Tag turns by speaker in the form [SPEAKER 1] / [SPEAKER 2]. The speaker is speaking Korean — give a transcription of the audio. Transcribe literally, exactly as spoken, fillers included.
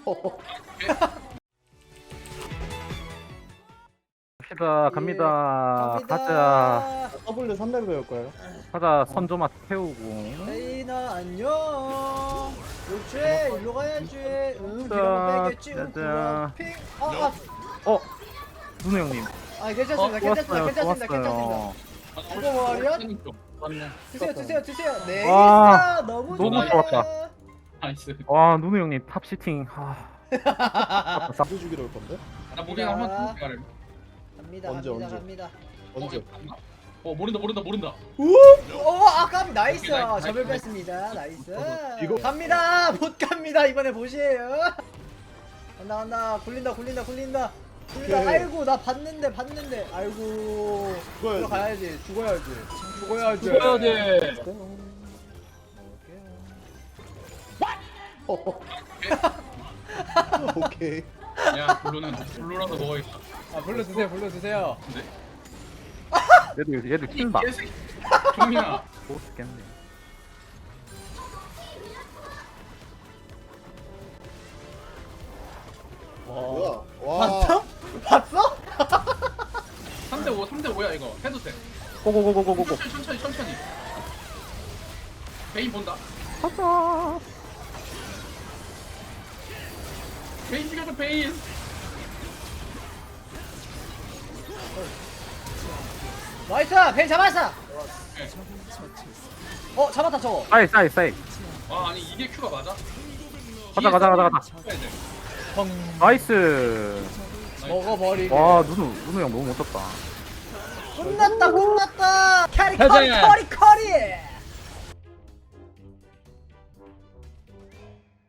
[SPEAKER 1] 갑시다 갑니다. 가자
[SPEAKER 2] 더블유 삼 렙 배울 거예요.
[SPEAKER 1] 가자. 선조맛 태우고.
[SPEAKER 3] 레이나 안녕. 그렇지 일로 가야지. 응
[SPEAKER 1] 자,
[SPEAKER 3] 이러면 빼겠지. 응
[SPEAKER 1] 짜자.
[SPEAKER 3] 그럼 핑. 아,
[SPEAKER 1] 어 누누 형님.
[SPEAKER 3] 아, 아 괜찮습니다. 괜찮습니다.
[SPEAKER 1] 좋았어요
[SPEAKER 3] 괜찮습니다. 괜찮습니다.
[SPEAKER 1] 좋았어요.
[SPEAKER 3] 이거 말이야?
[SPEAKER 4] 맞네.
[SPEAKER 3] 드세요 드세요 드세요. 네.
[SPEAKER 1] 와,
[SPEAKER 3] 너무
[SPEAKER 1] 너무
[SPEAKER 3] 좋아요.
[SPEAKER 1] 좋았다.
[SPEAKER 4] 나이스.
[SPEAKER 1] 와 누누 형님 탑 시팅. 아,
[SPEAKER 2] 누구 죽이러 올 건데?
[SPEAKER 4] 나 무빙 한번 말해.
[SPEAKER 3] 갑니다.
[SPEAKER 2] 언제,
[SPEAKER 3] 갑니다.
[SPEAKER 2] 언제?
[SPEAKER 3] 갑니다.
[SPEAKER 2] 언제?
[SPEAKER 4] 어 모른다 모른다 모른다.
[SPEAKER 3] 오, 아까 나이스.
[SPEAKER 4] 오케이, 나이스,
[SPEAKER 3] 저별
[SPEAKER 4] 나이스.
[SPEAKER 3] 뺐습니다. 나이스.
[SPEAKER 2] 이거-
[SPEAKER 3] 갑니다. 못 갑니다. 이번에 보시에요. 간다 간다. 굴린다 굴린다 굴린다. 굴린다.
[SPEAKER 2] 오케이.
[SPEAKER 3] 아이고 나 봤는데 봤는데. 아이고.
[SPEAKER 2] 죽어야지.
[SPEAKER 3] 들어가야지. 죽어야지. 죽어야지.
[SPEAKER 4] 죽어야 돼.
[SPEAKER 2] 오케이.
[SPEAKER 4] 야 블루는 블루라서 먹어야겠다.
[SPEAKER 3] 아 불러주세요 불러주세요.
[SPEAKER 4] 근데
[SPEAKER 1] 얘들 얘들 킨다.
[SPEAKER 4] 개새끼. 종민아.
[SPEAKER 1] 못 죽겠네.
[SPEAKER 2] 뭐야? 와.
[SPEAKER 3] 봤어? 봤어?
[SPEAKER 4] 삼 대 오 삼 대 오야 이거. 해도 돼.
[SPEAKER 1] 고고고고고고고.
[SPEAKER 4] 천천히 천천히 천천히. 베인 본다.
[SPEAKER 1] 가자.
[SPEAKER 4] 베인 죽여줘 베인.
[SPEAKER 3] 나이스. 벤 잡았어.
[SPEAKER 4] 네.
[SPEAKER 3] 어 잡았다 저거.
[SPEAKER 1] 사이 사이 사이.
[SPEAKER 4] 와 아니 이게 큐가 맞아?
[SPEAKER 1] 가자 가자 가자 가자.
[SPEAKER 4] 해야 돼.
[SPEAKER 3] 펑.
[SPEAKER 1] 나이스.
[SPEAKER 3] 먹어버리게.
[SPEAKER 1] 와 누누 누누 형 너무 멋졌다.
[SPEAKER 3] 끝났다 끝났다. 캐리
[SPEAKER 4] 가자.
[SPEAKER 3] 커리 커리 커리.